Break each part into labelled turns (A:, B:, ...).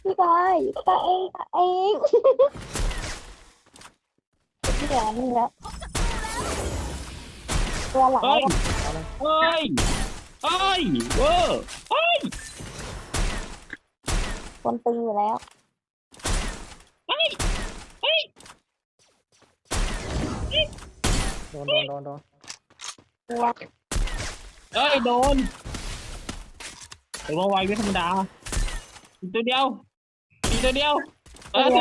A: พี่กายตาเองตาเองพี่แกนี่แล้วตัวหลัง
B: เฮ้ย
A: แล้วก็
C: เอาเลย
B: เฮ้ยเฮ้ยเวอร์เฮ้ย
A: คนตึงอยู่แล้ว
B: เฮ้ยเฮ้ย
C: โดน
A: ตัว
B: เฮ้ยโดนแต่ว่าไวไม่ธรรมดาอีกตัวเดียวอีกตัวเดียวสิ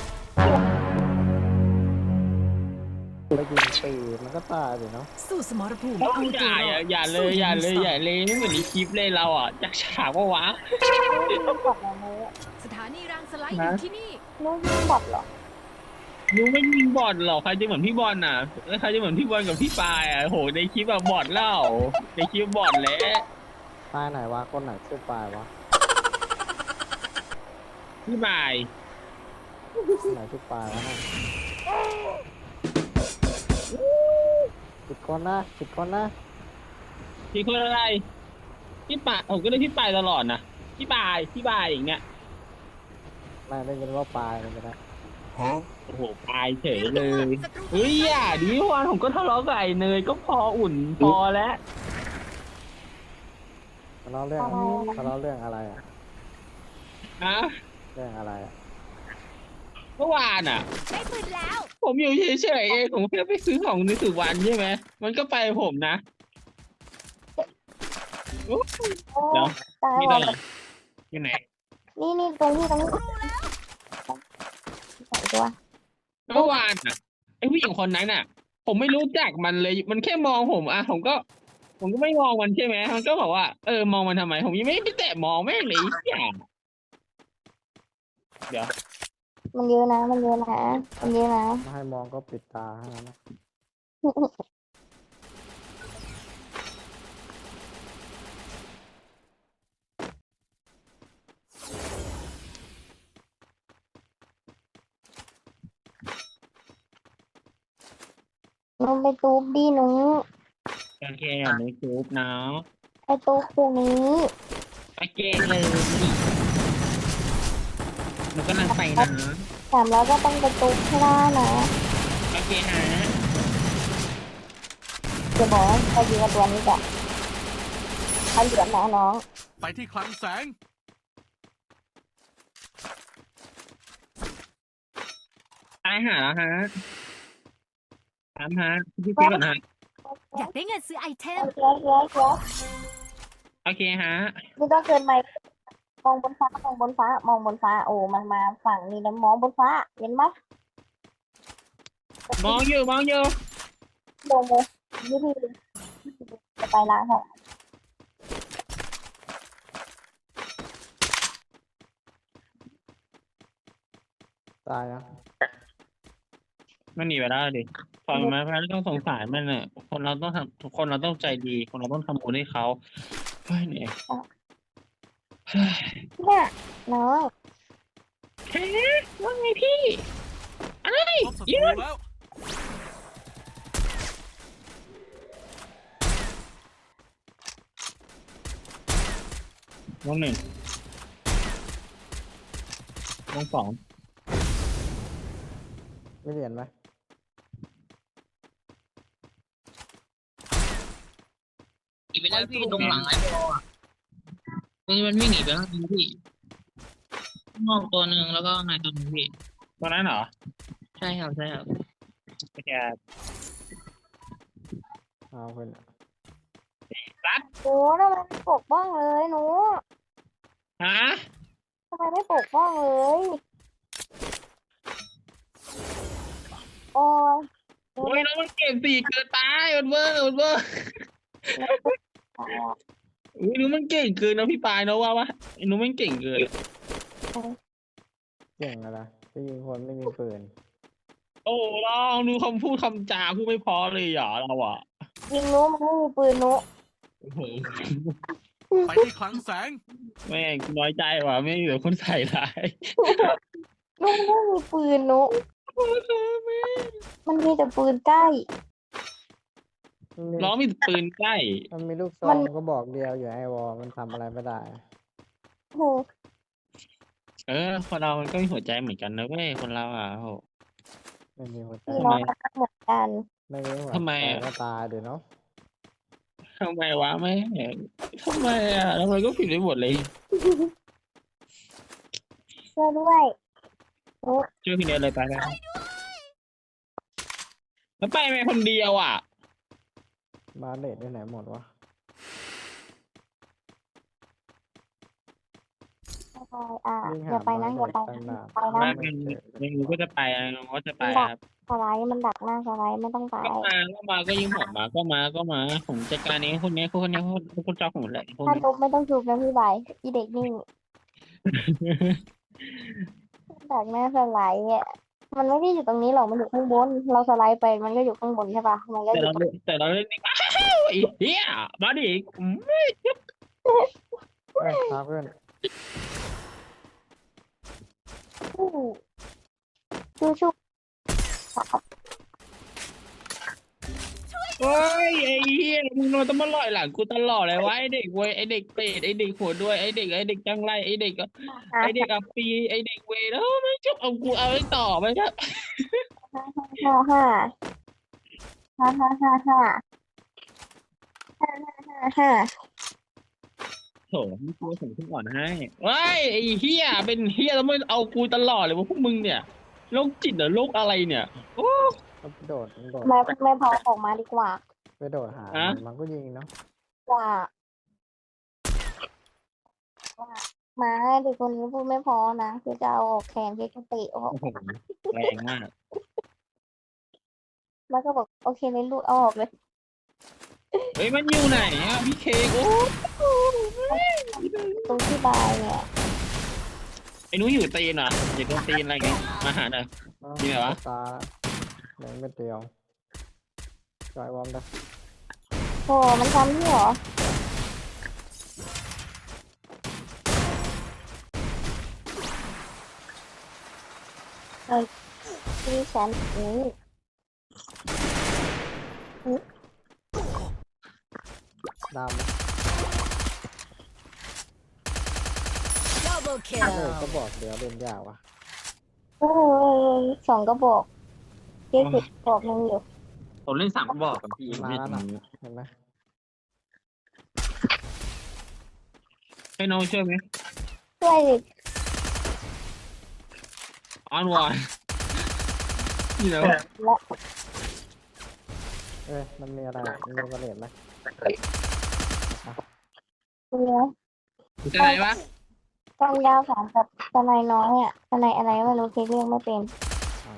C: ไปยิงปีมันก็ตายสิเนาะ
D: สู้สมรภูมิ
B: โอ้
D: เอา
B: ย
D: ตัวรอด
B: อย่าเลยอย่าเลยอย่าเลยไม่เหมือนในคลิปเลยเราอ่ะจากฉากว่าวะ
A: นู้นยิงบอดเหรอนู้น
D: สถานีรางสไลด์อยู่ที่นี่
A: นู้นยิงบอดเหรอ
B: ยูไม่ยิงบอลหรอกใครจะเหมือนพี่บอลน่ะใครจะเหมือนพี่บอลกับพี่ปายอ่ะโหในคลิปแบบบอดเล่าในคลิปบอดแหละ
C: ตายไหนวะคนไหนชื่อปายวะ
B: พี่ปาย
C: คนไหนชื่อปายวะน่ะ10 คนนะ
B: พี่คนอะไรพี่ปายผมก็เรียกพี่ปายตลอดนะพี่ปายอย่างเงี้ย
C: ไม่ได้ยินว่าปายมันจะได้
B: โอ้โหปายเฉยเลยเฮ้ยอย่าดิวันผมก็ทะเลาะกับไอ้เนยก็พออุ่นพอแล้ว
C: ทะเลาะเรื่องอะไรอ่ะ
B: นะ
C: เรื่องอะไรอ่ะ
B: เมื่อวานอ่ะ
D: ได้ปืนแล้ว
B: ผมอยู่เฉยๆเองผมแค่ไปซื้อของในสุวรรณใช่ไหมมันก็ไปผมนะโอ้
A: โอ้
B: เดี๋ยว
A: ตาย
B: มี
A: ว่ะ
B: ตลาดอยู่ไหน
A: นี่ตรงนี้ใส่ตัว
B: เมื่อวานอ่ะไอ้ผู้หญิงคนนั้นอ่ะ ผมไม่รู้จักมันเลยมันแค่มองผมอ่ะผมก็ไม่มองมันใช่ไหมมันก็บอกว่ามองมันทำไมผมยังไม่ได้แตะมองแม่งเลยอย่างเดี๋ยว
A: มันเยอะนะมันเยอะนะมันเยอะนะ
C: ไม่ให้มองก็ปิดตาให้นะ
A: หนูไปตูบดีหนู
B: โอเคอ่ะในกรุ๊ปเนาะ
A: ไปตูบตรงนี้
B: โอเคเลยมันก็นั่งไปนะ
A: 300ก็ต้องไปตูบข้างหน้านะ
B: โอเคฮะ
A: จะบอกว่าไปยิงกับตัวนี้ก่อนเอาเหลือนะน้อง
E: ไปที่คลังแสง
B: ตายหาแล้วฮะถามฮะพี่ก่อนฮะ
D: อยากได้เงินซื้อไอเทม
A: เย้
B: โอเคฮะ
A: นี่ต้องเกินไปมองบนฟ้ามองบนฟ้ามองบนฟ้าโอ้มันมาฝั่งนี้นะมองบนฟ้าเห็นไหม
B: มองอยู่
A: โดโมนี่ที่จะไปล้างห้อง
C: ตายอ่ะ
B: มันหนีไปแล้วดิปล่อยมันมาไม่ต้องสงสารมันอ่ะคนเราต้องทำทุกคนเราต้องใจดีคนเราต้องทำบุญให้เขาเฮ้ยเนี่ย
A: เนี่ยน้อง
B: เฮ้ยว่าไงพี่อะไร
E: พบศัต
B: ยื
E: รู
B: น
E: แล้ว
B: วงหนึ่งวงสอง
C: ไม่เรียนไหม
F: หนีไปแล้วพี่ตรงหลังไอ้บอลอ่ะมันวิ่งหนีไปแล้วพี่นอกตัวหนึ่งแล้วก็ในตัวหนึ่งพี่
B: ตอนนั้นเหรอ
F: ใช่ครับใช่ครับ
B: โอเค
C: เอาไปเนี่ย
A: หนูทำไมไม่ปกป้องเลยหนู
B: ฮะ
A: ทำไมไม่ปกป้องเลยโอ้ย
B: โอ้ยน้องมันเก็บสี่เกินตายมันเวอร์
A: แล้ว
B: อุ้ยน้องมันเก่งเกินนะพี่ปายเนอะว่าไอ้น้องมันเก่งเกิน
C: เก่งอะไรจะยิงคนไม่มีปืน
B: โอ้ลองดูคำพูดคำจาพูดไม่พอเลยเหรอเราอ่ะ
A: ยิงหนูมันไม่มีปืนหนู
B: โอ้โห
E: ไปที่คลังแสง
B: แม่งกูน้อยใจว่ะไม่เหลือคนใส่ร้าย
A: หนูไม่มีปืนหนูมันมีแต่ปืนใกล้
B: น้องมีปืนใกล้
C: มันมีลูกซ
A: มั
C: อน งก็บอกเดียวอยู่ไอวอลมันทำอะไรไม่ได้
A: โอ้โห
B: คนเรามันก็มีหัวใจเหมือนกันนะเว้ยคนเราอ่ะโห
C: ไม่มีหัวใจ
A: พี่น้องก็เหมือนกัน
C: ไม่มีหัว
B: ทำไม
C: ใจ
B: อะ
C: ก็ตายเดี๋ยวเนาะ
B: ทำไมวะไม่ทำไมอ่ะทำไมก็ผิดไปหมดเลย
A: ช่วยด้วย
B: ช่วยพี่เนทเลยไปแล้วไปไหมคนเดียวอ่ะ
C: บาเลตได้ไหนหมดวะวิ่ง
A: อย่า
C: หา
A: ไปนะ
C: บา
A: อย่า
C: เล
A: ไป
C: ตตั้ง
A: นะ
C: นาน
A: ไปนะ
B: ไม่รู้ก็จะไปก็จะไปครับ
A: สไลด์มันดักหน้าสไลด์ไม่ต้องไป
B: ก็มาก็ยิงผมมาก็มาผมจัดการเองคนนี้คนเจ้าของแหละพวก
A: ถ้า
B: นี้
A: ทุบไม่ต้องทุบนะพี่ใบอีเด็กนี่ดักหน้าสไลด์เนี่ยมันไม่ได้อยู่ตรงนี้หรอกมันอยู่ข้างบนเราสไลด์ไปมันก็อยู่ข้างบนใช่ปะมันก็
B: แต่
A: อยู่
B: เราเล่นนี่อ้าวไอ้เหี้ยมาดิ
C: เอ้ยพาเพื่อน
A: ชู
B: โอ้ยไอ้เหี้ยมึงต้องมาลอยหลังกูตลอดเลยวะไอ้เด็กเว้ยไอ้เด็กเป็ดไอ้เด็กหัวด้วยไอ้เด็กจังไรไอ้เด็กอัปปีไอ้เด็กเวรแล้วไม่จบเอากูเอาไอ้ต่อไปครับ
A: ฮ่าฮ่าฮ่าฮ่าฮ่าฮ่าฮ่า
B: โถไม่กลัวผมขึ้นก่อนให้ว้ายไอ้เหี้ยเป็นเหี้ยแล้วไม่เอากูตลอดเลยว่าพวกมึงเนี่ยโรคจิตเหรอโรคอะไรเนี่ยโอ้
C: ก็โดดมันโดด
A: ไม่พอออกมาดีกว่า
C: ไปโดดหา
B: ฮะ
C: มันก็ยิงเนาะ
A: ว่ามาเด็กคนนี้พูดไม่พอนะคือจะเอาออกแขนที่กติออก
B: โหแรงมาก
A: แล้วก็บอกโอเคเลยลูกเอาออกเลย
B: เฮ้ยมันอยู่ไหนอ่ะพี่เคกโอ้
A: ตรงที่บายเนี่ย
B: ไอ้หนู้อยู่ตีนเหรออยู่ตรงตีนอะไรกันมาหาหน่อย ยิงไงวะ
C: ตาแรงไม่เดียวจอยวอร์มได้
A: โอ้มันทำที่เหรอที่ฉันนี้
C: ดาม
D: Double
C: เอ
D: kill
C: อก็บอกเดี๋ยวเล่นยากว่ะ
A: เออสองกระบอกเจ๊สิบบอกนึงอยู่
B: ผมเล่น3 กระบอกกับพี่
C: มา
B: ไม่
C: แล้ว
B: ถึ
C: นะ
B: ง
C: เห็นไหม
B: ให้น้องช่วยไหม
A: ช่วยดิ
B: ออนวอนนี่แล้ว
C: เอ้ยมันมีอะไรมันมีบาเลตไหม
A: เนื้อ
B: จะไหนวะ
A: กล้องยาวสามกับสไนน้อยอ่ะสไนอะไรไม่รู้เค้กเรียกไม่เป็น
C: อ๋อ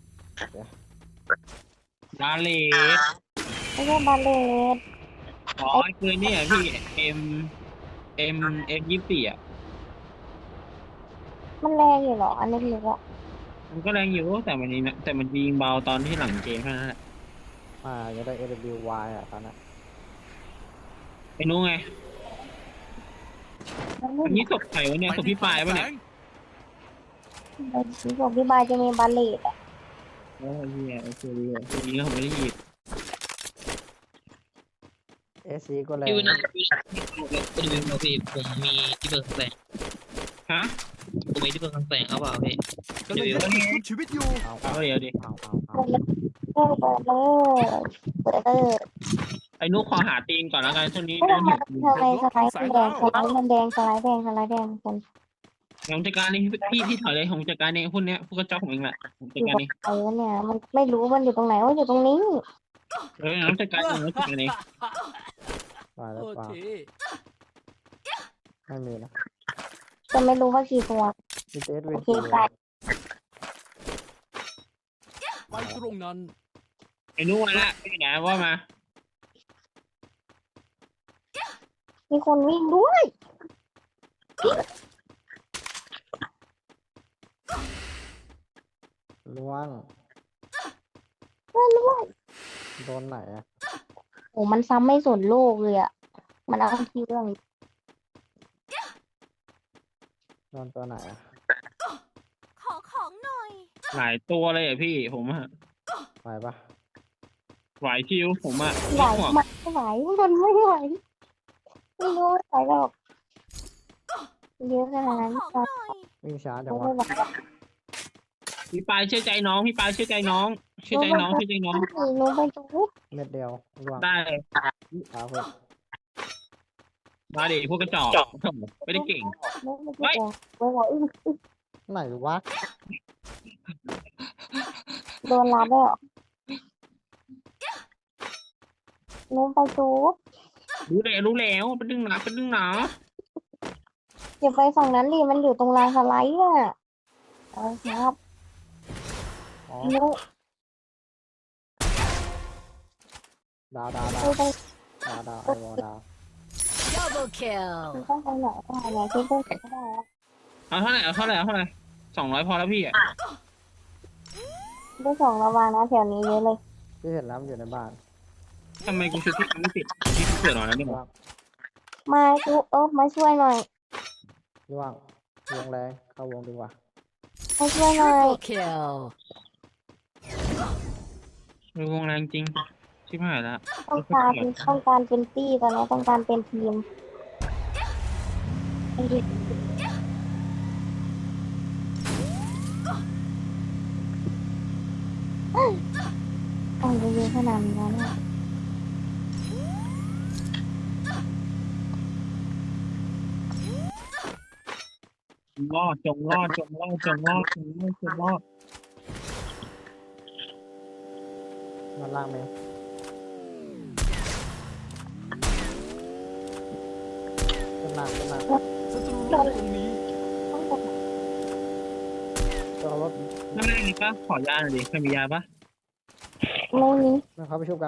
B: ดาเลส
A: ไม่ใช่บาเลต
B: อ๋อคือนี่อ่ะพี่M24อ่ะ
A: มันแรงอยู่เหรออันนี้พี่ว่า
B: มันก็แรงอยู่แต่มันนี่นะแต่มันยิงเบาตอนที่หลังเกมแค่นั้นแหละ
C: จะได้ AWY อ่ะตอนนั้น
B: ไอ้นู้ไงอันนี้ศพใครวะเนี่ยศพพี่ปลายปะเนี่ย
A: ผมพี่บายจะมีบาเลตอ่ะ
B: โอ้ยเฮียโอเคดีอ่ะทีนี้ผมไม่ได้หยิบ
C: เอซีก็แรง
F: พี่วินัยพี่วินัยพี่ผมมีที่เบอร์ข้างแสง
B: ฮะ
F: ผมมีที่เบอร์ข้างแสงเอาเปล่าพี่
E: กำลังใช้ชุบชีวิตอยู่
C: เอา
B: เอาเดี๋ยวดิ
C: เอา
A: เปิดเลยเปิดเลย
B: ไอ้นุ๊กขอหาตีนก่อนแล้วกันช่วงนี้
A: ทำ
B: โดน
A: ไม
B: หิว
A: สไลด์มันแดงสไลด์มันแดงสไลด์แดงสไลด์แดงคน
B: ผมจัดการเองพี่ถอยเลยผมจัดการเองพวกเนี้ยพวกกระจอกผมเองแหละผมจัดการเอง
A: เนี่ยมันไม่รู้มันอยู่ตรงไหนว่าอยู่ตรงนี้
B: น้องจัดการเองจัดการเอง
C: ตายแล้ว
E: โอ
C: เปล่า
E: เค
C: ไม่มีนะ
A: จะไม่รู้ว่ากี่ตัว
C: มีเอสเว
A: โอเค
C: ที
A: ไป
E: ไปตรงนั้น
B: ไอ้นุ๊กมาละไปไหนว่ามา
A: มีคนวิ่งด้วย
C: ล่วง
A: ด้วย
C: โดนไหนอ่ะ
A: โอ้มันซ้ำไม่สนโลกเลยอ่ะมันเอาที่เรื่อง
C: โดนตัวไหนอ่ะ
D: ขอของหน่อย
B: หลายตัวเลยอ่ะพี่ผมอะ
C: ไหวปะ
B: ไหวชิวผมอะ
A: ไหวมันไม่ไหวมันไม่ไหวไม่รู้ไหวหรอกเยอะข
D: ข
A: นา
D: อ
A: ดนั้น
D: ของหน่อย
C: วิ่งช้าจั
A: นุ๊
C: ง
A: ก
C: วะ
A: ไม่บอก
B: พี่ปายเชื่อใจน้องพี่ปายเชื่อใจน้องเชื่อใจน้องเชื่อใจน้อง
A: นุ๊กไปดู
C: เม็ดเดียวล่วง
B: ได้
C: ขาวเพื่อน
B: มาดิพวกกระจอกไม่ได้เก่ง
A: นุ๊กไม่ดูไม่บอก
C: ไหนวะ
A: โดนรัดได้หรอนุ๊กไปดู
B: รู้แล้วเป็นดึงหนาเป็นดึงหนา
A: อย่าไปฝั่งนั้นดิมันอยู่ตรงรางสไลด์อ่ะเอาครับ
C: อ๋อ
A: นุ๊ก
C: ดาวไอวอดาว
D: Double kill.
A: มันต้องไปไหนก็ได้ไงที่เพื่อนก็ได้
B: เอาเท่าไหร่200พอแล้วพี่อ่ะ
A: ได้ส่งระวังนะแถวนี้เยอะเลย
C: ที่เห็นแล้วมันอยู่ในบ้าน
B: ทำไมกูชุดที่ทำไม่ติดที่เกิดหน่อยนะเนี่ย
C: ล่วง
A: มาดูมาช่วยหน่อย
C: ล่วงวงแรงเข้าวงดีกว่า
A: มาช่วยหน่อย
D: Triple kill.
B: มีวงแรงจริงชิบหายละ
A: ต้องการเป็นตี้ตอนนี้ต้องการเป็นทีมไอ้ดิโอ้ยเยอะขนาดนี้แล้วเนี่ย
B: จงรอด
C: มันล่างไหมขึ้นล่าง
E: ศัตรูโลกตรงนี้
A: ต้องกด
C: ตัวรถ
B: นั่นไงปะขอยาหน่อยดิใครมียาปะ
A: ไม่มี
C: มันเข้าไปชุบกัน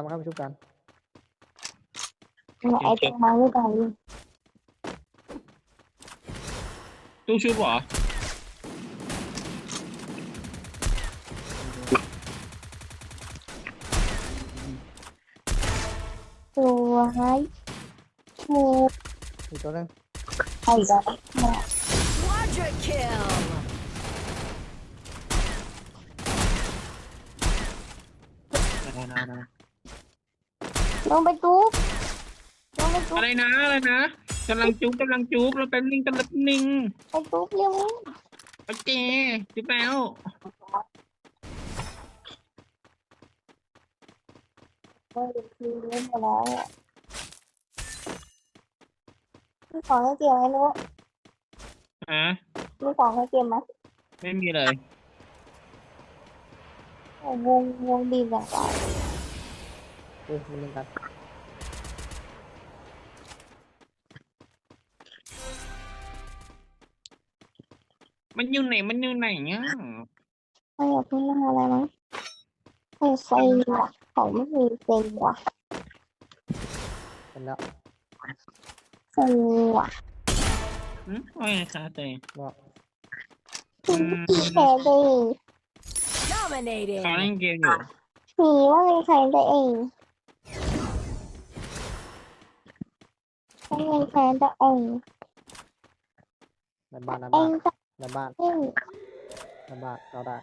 A: ไอ้ตรงมาไม่ได้
B: ตู้ชุบเหรอ
A: ตัวให้หมู
C: อีกตัวนึง
A: ไข่ดาว
D: Quadra kill.
A: ลงไปจุ๊บลงไปจุ๊บ
B: อะไรนะกำลังจุ๊บเราเป็นลิงกันลับนิง
A: ไปจุ๊บเร็ว
B: โอเคจุ๊บแล้ว
A: เฮ้ยทีมเล่นมาแล้วมีของให้เกมไหมนุ๊ก
B: อ่ะ
A: มีของให้เกมไหม
B: ไม่มีเลย
A: วงบีบอย่างไร
C: มันเล่นกัน
B: มันอยู่ไหนเนี่ย
A: ไม่อยากพูดเรื่องอะไรมั้งไม่เซ็งว่ะของไม่มีเซ็งว่ะ
C: เป็นแล้ว
A: เซ็งว่ะ
B: ว่าไงคะเต้
C: ว่า
A: แพ้ได้
D: Dominating.
B: เขาเล่นเกมอยู่
A: หนีว่าไงใครได้เองว่าไงใครได้เอง
C: ในบ้าน
A: เองจะเอง
C: เราได้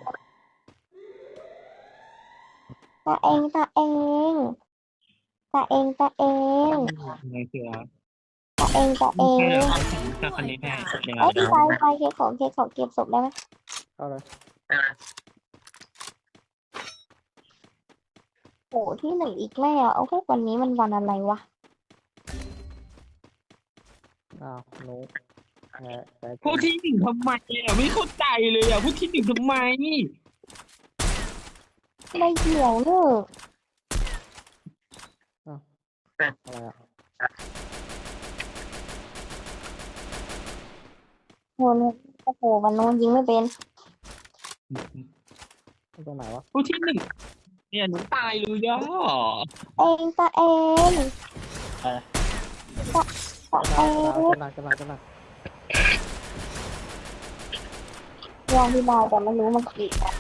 A: ตาเองตาเองตาเองตาเอง
B: ไงเสือ
A: ตาเองตาเอ
B: ใช่
A: ง
B: เหรอถ้าคนนี้แพ้เดี๋ยว
A: เอ้ยไฟเก็บของเก็บศพได้ไหม
C: เข้าเลย
A: โอ้ที่หนึ่งอีกแล้วโอเควันนี้มันวันอะไรวะ
C: อ้าวหนูแต่
B: ผู้ที่หนึ่งทำไมอ่ะไม่เข้าใจเลยอ่ะผู้ที่หนึ่งทำไม
A: ไม่เกี่ยวเลย
C: อะไรอ่ะ
A: โหโอ้โหมันนู้นยิงไม่เป็น
C: ตรงไหนวะ
B: ผู้ที่หนึ่งเนี่ยหนูตายเลยย่อ
A: เองตาเองตาเอง
C: จะหนัก
A: ยอมพี่บายแต่ไม่รู้มันกี่อ่ะ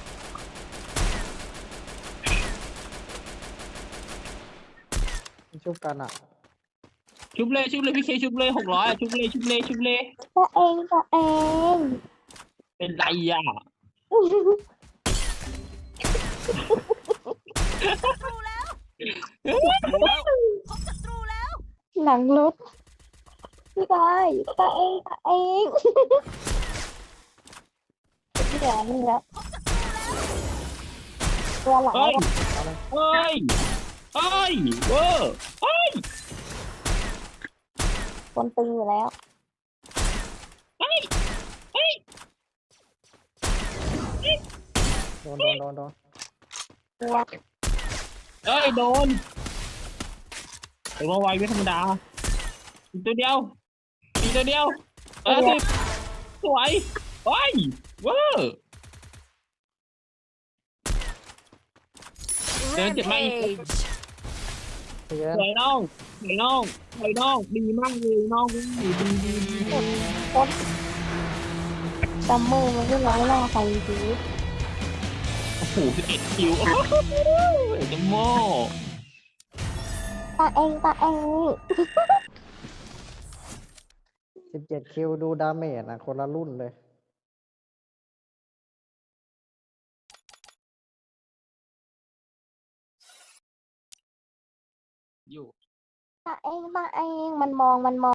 C: ชุบกันอ่ะ
B: ชุบเลยพี่เคชุบเลย600อ่ะชุบเลย
A: ตาเองตาเอง
B: เป็นไรอ่ะ
D: ศัตรูแล้วพบศัตรูแล้ว
A: หลังรถพี่บายตาเองเนี่ยนี่แล้วตัวหลัง
B: เฮ้ย
C: เอาเลย
B: เฮ้ยเฮ้ยเวอร์เฮ้ย
A: คนตึงอยู่แล้ว
B: เฮ้ยเฮ้ย
C: โดน
A: ตัว
B: เฮ้ยโดนเดี๋ยวมาไวไม่ธรรมดาอีกตัวเดียวอีกตัวเดียวสิสวยเฮ้ยเวอร์
D: Rampage.
C: เยอะ
B: สวยน้องสวยน้องสวยน้องดีมากเลยน้องดี
A: จำมือมันก็น้อยหน้าใครจริง
B: โอ้โห11 คิวโอ้โหจะโม่
A: ตาเอง
C: 17 คิวดูดาเมจนะคนละรุ่นเลย
B: อยู่
A: ตาเองมันมอง